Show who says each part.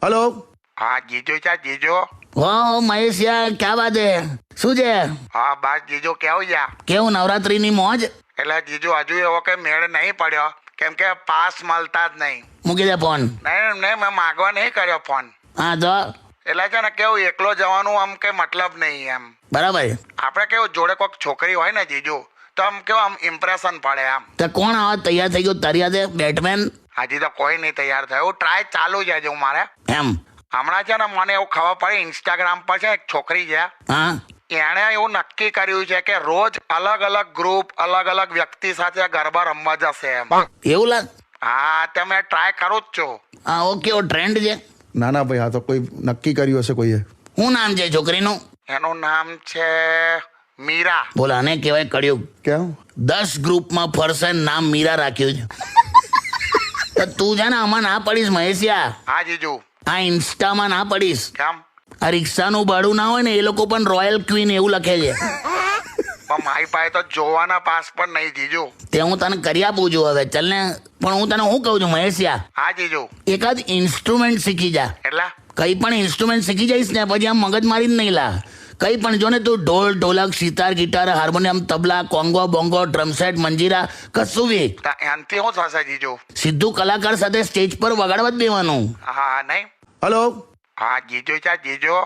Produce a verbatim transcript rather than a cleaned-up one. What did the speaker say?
Speaker 1: Hello
Speaker 2: हाँ जीजू चा जीजू
Speaker 3: વાહ મહેશિયા ક્યાં વાત હે શું છે
Speaker 2: हाँ बस जीजू કેવું છે
Speaker 3: કેવું નવરાત્રીની મોજ
Speaker 2: એટલે જીજુ હજુ એવો કઈ મેળ નહીં પડ્યો કેમ કે પાસ મળતા જ નહીં
Speaker 3: મૂકી દે ફોન
Speaker 2: નહીં નહીં મેં માગવા નહીં કર્યો ફોન
Speaker 3: હા તો
Speaker 2: એટલે છે ને કેવું એકલો જવાનું આમ કઈ મતલબ નહીં એમ
Speaker 3: બરાબર
Speaker 2: આપણે કેવું જોડે કોઈક છોકરી હોય ને જીજુ તો આમ કેવું આમ ઇમ્પ્રેશન પડે આમ
Speaker 3: તો કોણ આવા તૈયાર થઈ ગયું તારી હાથે બેટમેન
Speaker 2: હજી તો કોઈ નહીં તૈયાર થયું ટ્રાય ચાલુ છે હજુ મારે
Speaker 3: એમ
Speaker 2: હમણાં છે ને મને એવું ખબર પડી ઇન્સ્ટાગ્રામ પર છે એક છોકરી છે
Speaker 3: હા
Speaker 2: એણે એવું નક્કી કર્યું છે કે રોજ અલગ અલગ ગ્રુપ અલગ અલગ વ્યક્તિ સાથે ગરબા રમવા જશે એમ
Speaker 3: એવું લાગ
Speaker 2: હા તે મેં ટ્રાય કરું જ છું
Speaker 3: હા ઓકે ઓ ટ્રેન્ડ છે
Speaker 1: ના ના ભાઈ આ તો કોઈ નક્કી કર્યું હશે કોઈએ.
Speaker 3: શું નામ છે છોકરીનું
Speaker 2: એનું નામ છે મીરા
Speaker 3: બોલ આને કહેવાય કળિયુગ
Speaker 1: કેમ
Speaker 3: દસ ગ્રુપમાં ફરશે ને નામ મીરા રાખ્યું છે તો તું છે ને આમાં ના પડીશ મહેશિયા
Speaker 2: હા જીજુ
Speaker 3: આ ઇન્સ્ટામાં ના પડીશ
Speaker 2: કેમ
Speaker 3: આ રિક્ષાનું ભાડું ના હોય ને એ લોકો પણ રોયલ ક્વીન એવું લખે છે
Speaker 2: પણ મારી પાસે તો જોવાના પાસ પણ નહીં જીજુ
Speaker 3: તે હું તને કરી આપું છું હવે ચાલ ને પણ હું તને શું કહું છું મહેશિયા
Speaker 2: હા જીજુ
Speaker 3: એકાદ ઇન્સ્ટ્રુમેન્ટ શીખી જા
Speaker 2: એટલે
Speaker 3: કઈ પણ ઇન્સ્ટ્રુમેન્ટ શીખી જઈશ ને પછી આમ મગજ મારી જ નહીં લા કઈ પણ જો ને તું dhol dholak sitar guitar harmonium tabla conga bongo drum set મંજીરા કશું બી
Speaker 2: તો એનાથી શું થશે જીજુ
Speaker 3: સીધું કલાકાર સાથે સ્ટેજ પર વગાડવા જ દેવાનું
Speaker 2: હા નહીં
Speaker 1: हेलो
Speaker 2: હા જીજુ ચા જીજુ